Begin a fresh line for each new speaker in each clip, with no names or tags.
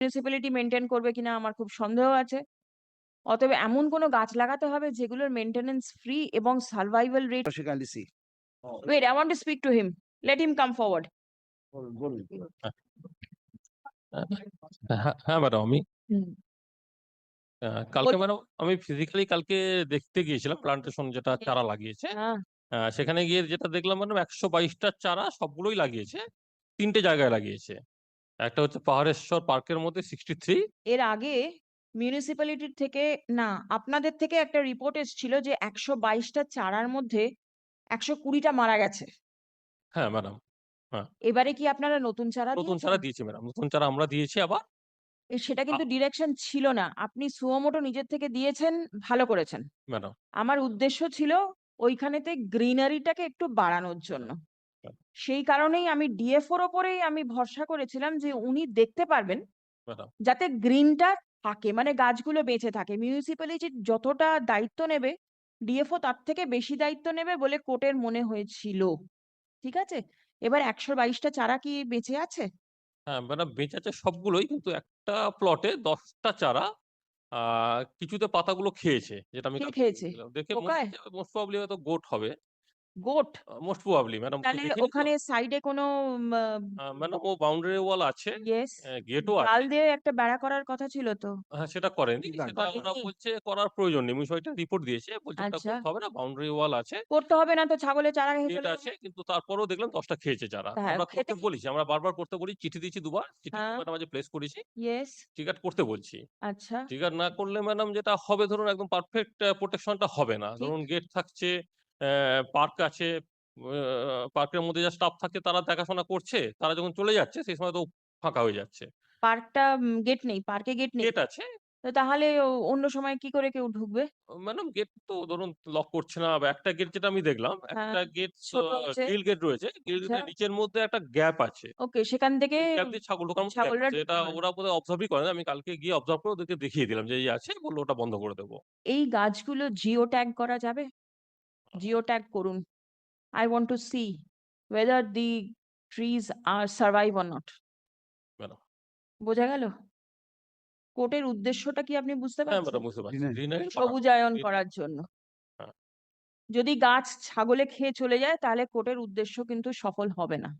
Municipality maintain করবে কিনা আমার খুব সন্দেহ আছে। অতএব এমন কোনো গাছ লাগাতে হবে যেগুলোর মেইনটেনেন্স ফ্রি এবং survival rate.
She kindly see.
Wait, I want to speak to him. Let him come forward.
বলুন।
হ্যাঁ হ্যাঁ ম্যাডাম, আমি
হুম।
কালকে ম্যাডাম আমি ফিজিক্যালি কালকে দেখতে গিয়েছিলাম প্লান্টেশন যেটা চারা লাগিয়েছে।
হ্যাঁ,
সেখানে গিয়ে যেটা দেখলাম ম্যাডাম 122টা চারা সবগুলোই লাগিয়েছে, 3টে জায়গায় লাগিয়েছে। একটা হচ্ছে পাহাড়েশ্বর পার্কের মধ্যে 63।
এর আগে মিউনিসিপ্যালিটির থেকে, না, আপনাদের থেকে একটা রিপোর্ট এসেছিল যে 122টা চারার মধ্যে 120টা মারা গেছে।
হ্যাঁ ম্যাডাম, হ্যাঁ
এবারে কি আপনারা নতুন চারা
নতুন
দিয়েছেন?
চারা দিয়েছি ম্যাডাম, নতুন চারা আমরা দিয়েছি আবার।
সেটা কিন্তু ডিরেকশন ছিল না, আপনি সুমোটো নিজের থেকে দিয়েছেন, ভালো করেছেন।
ম্যাডাম
আমার উদ্দেশ্য ছিল ওইখানেতে গ্রিনারিটাকে একটু বাড়ানোর জন্য। সেই কারণেই আমি ডিএফওর ওপরেই আমি ভরসা করেছিলাম যে উনি দেখতে পারবেন
ম্যাডাম
যাতে গ্রিনটা থাকে, মানে গাছগুলো বেঁচে থাকে। মিউনিসিপ্যালিটি যতটা দায়িত্ব নেবে, ডিএফও তার থেকে বেশি দায়িত্ব নেবে বলে কোর্টের মনে হয়েছিল। ঠিক আছে, এবার 122টা চারা কি বেঁচে আছে?
হ্যাঁ ম্যাডাম, বেঁচে আছে সবগুলোই, কিন্তু একটা প্লটে 10টা চারা কিছুতে পাতাগুলো খেয়েছে, যেটা আমি
কে
কালকে
খেয়েছে?
দেখেছিলাম। দেখে মনে
পোকায়?
হচ্ছে মোস্ট প্রবাবলি হয়তো গোট হবে।
গোট?
মোস্ট প্রবাবলি ম্যাডাম,
তাহলে
দেখিনি তো।
ওখানে সাইডে কোনো
ম্যাডাম ও বাউন্ডারি ওয়াল আছে,
ইয়েস,
গেটও
জাল
আছে।
দিয়ে একটা বেড়া করার কথা ছিল তো।
হ্যাঁ সেটা করেনি,
ঠিক আছে।
সেটা ওরা
করেনি?
বলছে করার প্রয়োজন নেই। বিষয়টা রিপোর্ট দিয়েছে, বলছে ওটা
আচ্ছা,
করতে হবে না, বাউন্ডারি ওয়াল আছে,
করতে হবে না তো ছাগলের চারা খেয়ে
গেট
চলে
আছে।
যাবে।
কিন্তু তারপরেও দেখলাম 10টা খেয়েছে যারা।
হ্যাঁ,
আমরা করতে
খেতে।
বলেছি, আমরা বারবার করতে বলি, চিঠি দিয়েছি দুবার, চিঠি
হ্যাঁ,
ম্যাডাম আজ প্লেস করেছি,
ইয়েস।
টিকাট করতে বলছি।
আচ্ছা,
টিকাট না করলে ম্যাডাম যেটা হবে, ধরুন একদম পারফেক্ট প্রোটেকশনটা হবে না।
ঠিক।
ধরুন গেট থাকছে, পার্ক আছে, পার্কের মধ্যে যা স্টাফ থাকে তারা দেখাশোনা করছে, তারা যখন চলে যাচ্ছে সেই সময় তো ফাঁকা হয়ে যাচ্ছে।
পার্কটা গেট নেই, পার্কে গেট নেই।
গেট আছে
তো তাহলে অন্য সময় কি করে কেউ ঢুকবে?
ম্যাডাম, গেট তো ধরুন লক করছে না। বা একটা গেট যেটা আমি দেখলাম,
হ্যাঁ,
একটা গেট
ছোট আছে।
গ্রিল গেট রয়েছে, গ্রিল
আচ্ছা,
গেটের নিচের মধ্যে একটা গ্যাপ আছে,
ওকে, সেখান থেকে
সেই গ্যাপ দিয়ে ছাগল ঢোকার মতো গ্যাপ
ছাগলরা
আছে। এটা
ঢুকতে পারে।
ওরা বোধহয় অবজার্ভই করে না। আমি কালকে গিয়ে অবজার্ভ করে ওদেরকে দেখিয়ে দিলাম যে এই আছে, বললো ওটা বন্ধ করে দেবো।
এই গাছগুলো জিও ট্যাগ করা যাবে? জিও ট্যাগ করুন। I want to see whether the trees are survive or not.
Madam
বোঝা গেল? কোর্টের উদ্দেশ্যটা কি আপনি বুঝতে
হ্যাঁ
পারছেন?
ম্যাডাম, বুঝতে পারছি,
Greenery.
গ্রিনারি
সবুজায়ন করার জন্য।
হ্যাঁ
যদি গাছ ছাগলে খেয়ে চলে যায় তাহলে কোর্টের উদ্দেশ্য কিন্তু সফল হবে না।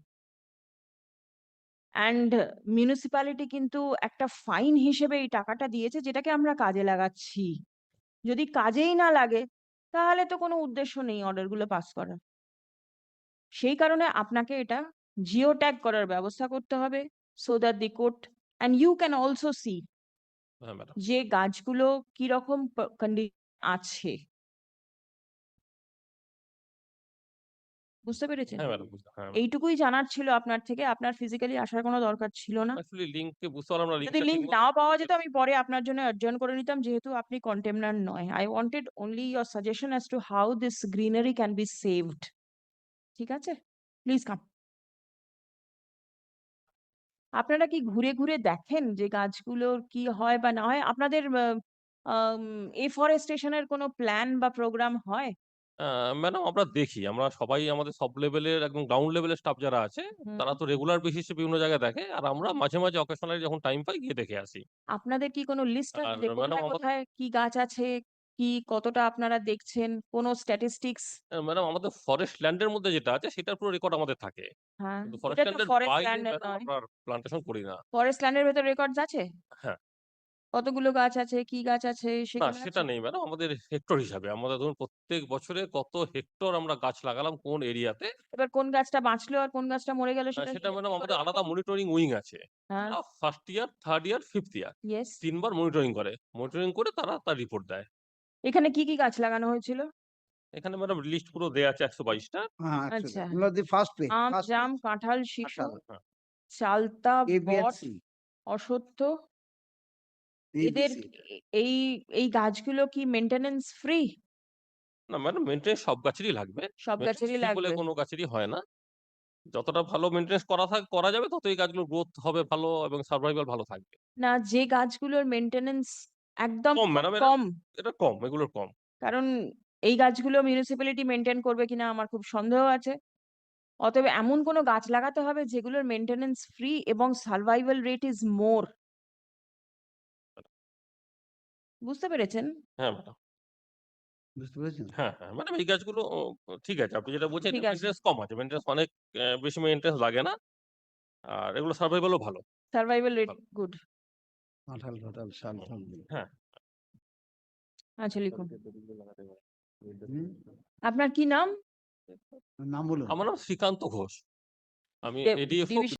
অ্যান্ড মিউনিসিপ্যালিটি কিন্তু একটা ফাইন হিসেবে এই টাকাটা দিয়েছে, যেটাকে আমরা কাজে লাগাচ্ছি। যদি কাজেই না লাগে তাহলে তো কোনো উদ্দেশ্য নেই অর্ডারগুলো পাস করার। সেই কারণে আপনাকে এটা জিও ট্যাগ করার ব্যবস্থা করতে হবে, so that the court and you can also see
হ্যাঁ ম্যাডাম,
যে গাছগুলো কিরকম কন্ডিশন আছে। বুঝতে পেরেছেন?
হ্যাঁ ম্যাডাম, বুঝতে, হ্যাঁ
এইটুকুই জানার ছিল আপনার থেকে, আপনার ফিজিক্যালি আসার কোনো দরকার ছিল না।
অ্যাকচুয়ালি লিঙ্ককে বুঝতে পারলাম না,
যদি
লিঙ্কটা ঠিক
লিংক
মতো।
নাও পাওয়া যেত আমি পরে আপনার জন্য অ্যাডজর্ন করে নিতাম, যেহেতু আপনি কন্টেমনার নয়। I wanted only your suggestion as to how this greenery can be saved. ঠিক আছে, প্লিজ কাম। আপনারা কি ঘুরে ঘুরে দেখেন যে গাছগুলোর কি হয় বা না হয়? আপনাদের এফরেস্টেশনের কোনো প্ল্যান বা প্রোগ্রাম হয়?
ম্যাডাম আমরা দেখি, আমরা সবাই আমাদের সব লেভেলের একদম গ্রাউন্ড লেভেলের স্টাফ যারা আছে,
হুম।
তারা তো রেগুলার বেসিসে বিভিন্ন জায়গায় দেখে, আর আমরা মাঝে মাঝে অকেশনালি যখন টাইম পাই গিয়ে দেখে আসি।
আপনাদের কি কোনো লিস্ট আছে
আর
যে
ম্যাডাম
কোথায়
আমাদের,
কোথায় কি গাছ আছে, কি কতটা আপনারা দেখছেন, কোনো স্ট্যাটিস্টিক্স?
ম্যাডাম আমাদের ফরেস্ট ল্যান্ডের মধ্যে যেটা আছে সেটার পুরো রেকর্ড আমাদের থাকে,
হ্যাঁ,
কিন্তু ফরেস্ট
এটা তো
ল্যান্ডের
ফরেস্ট
বাইরে
ল্যান্ডের
ম্যাডাম
নয়।
আমরা প্লান্টেশন করি না।
ফরেস্ট ল্যান্ডের ভেতর রেকর্ডস আছে?
হ্যাঁ,
কতগুলো গাছ আছে, কি গাছ আছে
না
সেগুলো
সেটা
আছে?
নেই ম্যাডাম, আমাদের হেক্টর হিসাবে আমাদের ধরুন প্রত্যেক বছরে কত হেক্টর আমরা গাছ লাগালাম কোন এরিয়াতে,
এবার কোন গাছটা বাঁচলো আর কোন গাছটা মরে গেল সেটা
সেটা ম্যাডাম
কি করে
আমাদের আলাদা
দেখুন?
মনিটরিং উইং আছে।
হ্যাঁ,
first year, third year, fifth year
yes.
3বার মনিটরিং করে, মনিটরিং করে তারা তার রিপোর্ট দেয়।
এখানে কি কি গাছ লাগানো হয়েছিল?
এখানে ম্যাডাম লিস্ট পুরো দেয়া আছে 122টা।
আচ্ছা,
Actually, the first page.
Um,
First
jam,
page.
কাঁঠাল, শিশু,
Atal.
হ্যাঁ
চালতা,
A, B, and
bot,
C.
অশ্বত্থ।
A, B,
এদের
C.
এই এই গাছগুলো কি মেইনটেনেন্স ফ্রি?
না ম্যাডাম, মেনটেন্স সব গাছেরই লাগবে,
সব
মেনটেন্স
গাছেরই
ফ্রি বলে
লাগবে?
কোনো গাছেরই হয় না। যতটা ভালো মেনটেন্স করা যাবে ততই গাছগুলোর গ্রোথ হবে ভালো এবং সার্ভাইভাল ভালো থাকবে।
না, যে গাছগুলোর মেইনটেনেন্স একদম
কম
খুব
ম্যাডাম, এটা
কম।
এটা কম, এগুলোর কম।
কারণ এই গাছগুলো মিউনিসিপ্যালিটি মেনটেন করবে কিনা আমার খুব সন্দেহ আছে। অতএব এমন কোনো গাছ লাগাতে হবে যেগুলোর মেইনটেনেন্স ফ্রি এবং সার্ভাইভাল রেট ইজ মোর। বুঝতে পেরেছেন?
হ্যাঁ ম্যাডাম,
বুঝতে পেরেছেন?
হ্যাঁ, হ্যাঁ। ম্যাডাম এই গাছগুলো ঠিক আছে। আপনি যেটা বলছেন
ঠিক
এটা
আছে।
মেইনটেন্যান্স কম আছে। মেইনটেন্যান্স অনেক বেশি মেইনটেন্যান্স লাগে না। আর এগুলো সারভাইভাল ও ভালো।
সারভাইভাল রেট
ভালো।
গুড।
কাঁঠাল ফাটাল শাল
হুম,
ফাল
হ্যাঁ।
আচ্ছা লিখুন।
হুম?
আপনার কি নাম?
নাম বলুন।
আমার নাম শ্রীকান্ত ঘোষ। আমি
ডে
এডিএফও
ডিভিশন